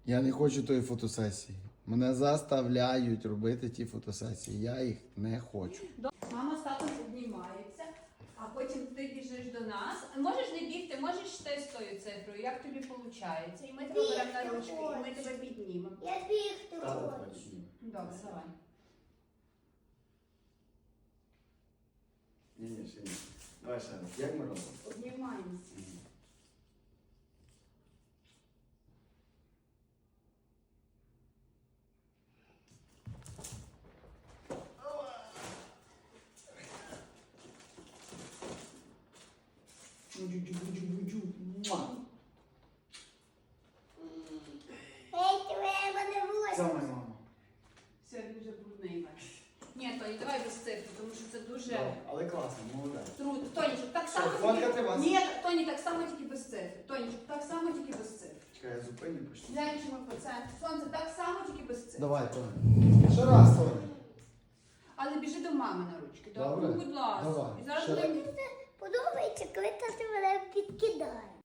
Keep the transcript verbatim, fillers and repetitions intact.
Я не хочу тої фотосесії. Мене заставляють робити ті фотосесії. Я їх не хочу. Мама з татом обнімаються, а потім ти біжиш до нас. Можеш не бігти, можеш йти з тою цифрою, як тобі виходить. І ми тебе беремо на ручки, і ми тебе піднімемо. Я бігти Тато хочу. хоче. Добре, давай. Ні, ні, ще ні. Давай ще раз. Як ми робимо? Обнімаємося. Муа. Ей, тебе не Це восьми. моя мама. Все, він вже брудний весь. Ні, Тоні, давай без цифри, тому що це дуже Да, але класно, молодець. трудно. Тонічок, так Що, само фоткати вас? Ні, Тоні, так само тільки без цифр. Тонічок, так само тільки без цифр. Чекай, я зупиню почну. Гляньмо по центру. Сонце, так само тільки без цифр. Давай, Тоня. Ще раз, Тоня. Але біжи до мами на ручки. Добре. Ну, будь ласка. Давай. І зараз Ще буде раз. Мені подобається, коли тато мене підкидає.